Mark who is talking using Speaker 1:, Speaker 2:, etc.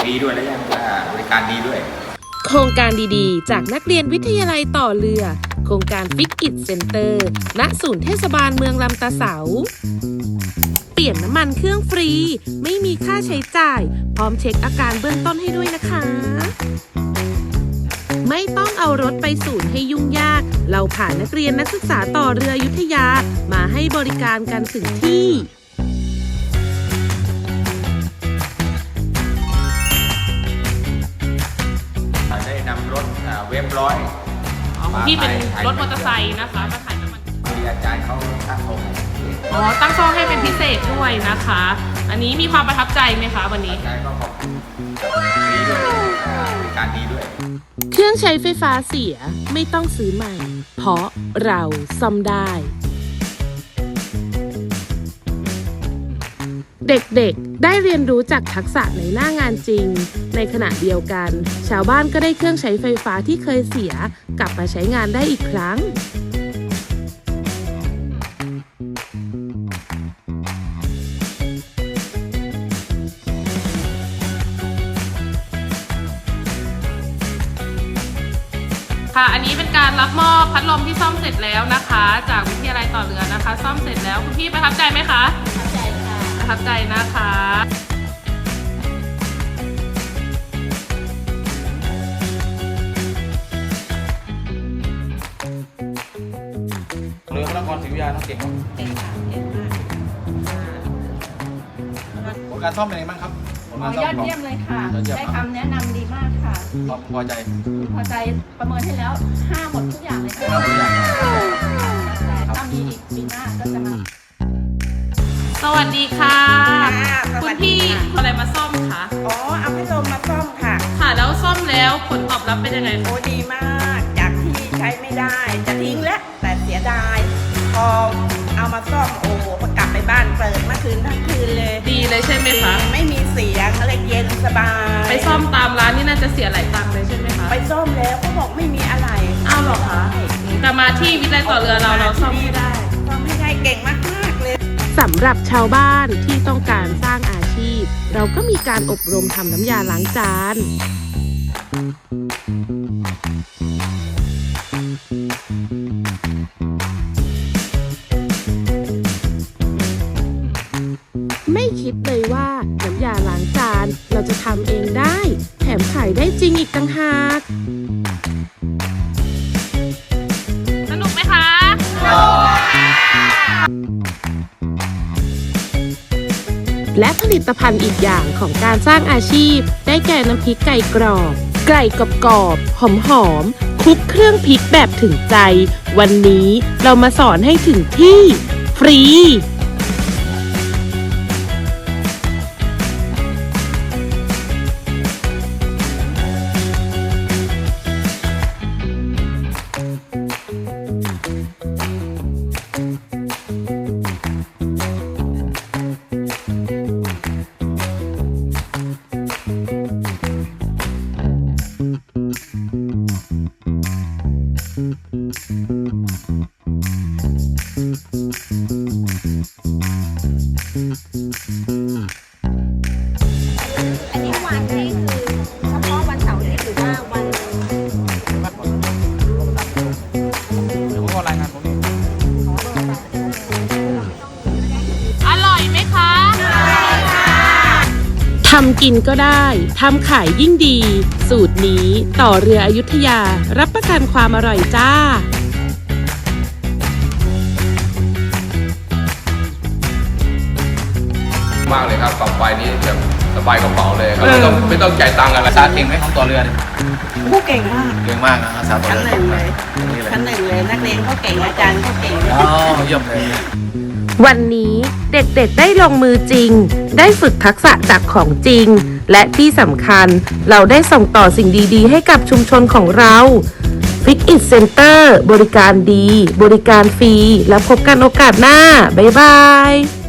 Speaker 1: ฟรีด้วยและยังบริการดีด้วย
Speaker 2: โครงการดีๆจากนักเรียนวิทยาลัยต่อเรือโครงการฟิกอิทเซ็นเตอร์ณศูนย์เทศบาลเมืองลำตาเสาเปลี่ยนน้ำมันเครื่องฟรีไม่มีค่าใช้จ่ายพร้อมเช็คอาการเบื้องต้นให้ด้วยนะคะไม่ต้องเอารถไปศูนย์ให้ยุ่งยากเราผ่านนักเรียนนักศึกษาต่อเรืออยุธยามาให้บริการกันถึงที่
Speaker 1: ได้นำรถเว็บร้อย
Speaker 3: ที่เป็นรถมอเตอร์ไซค์นะคะมาขายน้ำมัน
Speaker 1: อาจารย์เขาตั้งโซ่
Speaker 3: ตั้งโซ่ให้เป็นพิเศษด้วยนะคะอันนี้มีความประทับใจไหมคะวันนี้
Speaker 1: อาจารย์ก็ขอบคุณฟรีด้วยบริการดีด้วย
Speaker 2: เครื่องใช้ไฟฟ้าเสียไม่ต้องซื้อใหม่เพราะเราซ่อมได้เด็กๆได้เรียนรู้จากทักษะในหน้างานจริงในขณะเดียวกันชาวบ้านก็ได้เครื่องใช้ไฟฟ้าที่เคยเสียกลับมาใช้งานได้อีกครั้ง
Speaker 3: ค่ะอันนี้เป็นการรับมอบพัดลมที่ซ่อมเสร็จแล้วนะคะจากวิทยาลัยต่อเรือนะคะซ่อมเสร็จแล้วคุณพี่ประทับใจไหมคะประทับใจค่ะประทับใจนะคะ
Speaker 1: เรือพระนครศรีอยุธยาต้องเก่งครับ
Speaker 4: เก่งค่ะเก่งมาก
Speaker 1: ผลการซ่อมเป็นไงบ้างครับ
Speaker 4: ยอดเยี่ยมเลยค่ะได้คำแนะนำดีมากค่ะ
Speaker 1: พอใจ
Speaker 4: ประเมินให้แล้ว5หมดทุกอย่างเลยค่ะแต่ถ้ามีอีกปีหน้าก็จะมา
Speaker 3: สวัสดีค่ะคุณพี่อะไรมาซ่อมคะ
Speaker 5: เอาพัดลมมาซ่อมค่ะ
Speaker 3: ค่ะแล้วซ่อมแล้วผลตอบรับเป็นยังไง
Speaker 5: โอ้ดีมากจากที่ใช้ไม่ได้จะทิ้งแล้วแต่เสียดายพอเอามาซ่อมโอ้โหกลับไปบ้านเปิดเมื่อคืนทั้งคืนเลย
Speaker 3: ดีเลยใช่ไหมคะ
Speaker 5: ไม่มีเสียงอะไรเย็นสบาย
Speaker 3: ไปซ่อมตามร้านนี่น่าจะเสียหลายตังค์เลยใช่ไหมคะ
Speaker 5: ไปซ่อมแล้วเขาบอกไม่มีอะไร
Speaker 3: อ้าวหรอคะแต่มาที่วิทยาลัยต่อเรือเราซ่อมไม่ได้
Speaker 5: เก่งมากๆเลย
Speaker 2: สำหรับชาวบ้านที่ต้องการสร้างอาชีพเราก็มีการอบรมทำน้ำยาล้างจานไม่คิดเลยว่าน้ำยาล้างจานเราจะทำเองได้แถมขายได้จริงอีกต่างหาก
Speaker 3: สนุกไหมคะ
Speaker 2: และผลิตภัณฑ์อีกอย่างของการสร้างอาชีพได้แก่น้ำพริกไก่กรอบไก่กรอบหอมคลุกเครื่องพริกแบบถึงใจวันนี้เรามาสอนให้ถึงที่ฟรี
Speaker 4: อันนี้วันนี้คือเฉพาะวันเสาร์นี้หรือว่าวัน
Speaker 1: เดี๋ยวผมก็รายงานผม
Speaker 3: อร่อยไหมคะ
Speaker 2: ทำกินก็ได้ทำขายยิ่งดีสูตรนี้ต่อเรืออยุธยารับประกันความอร่อยจ้าม
Speaker 1: ากเลยครับกล่องไฟนี้แบบสบายกระเป๋าเลยครับไม่ต้องจ่ายตังค์อะไรภาษาเก่งไหมของต่อเรือ
Speaker 5: ผู้เก่งมาก
Speaker 1: นะภาษาต่อเรือ
Speaker 5: ชั้นหนึ่งเลยนักเรียนเขาเก่งอาจารย์เขาเก่ง
Speaker 1: เยี่ยมเลย
Speaker 2: วันนี้เด็กๆได้ลงมือจริงได้ฝึกทักษะจากของจริงและที่สำคัญเราได้ส่งต่อสิ่งดีๆให้กับชุมชนของเราฟิกอิทเซ็นเตอร์บริการดีบริการฟรีแล้วพบกันโอกาสหน้าบ๊ายบาย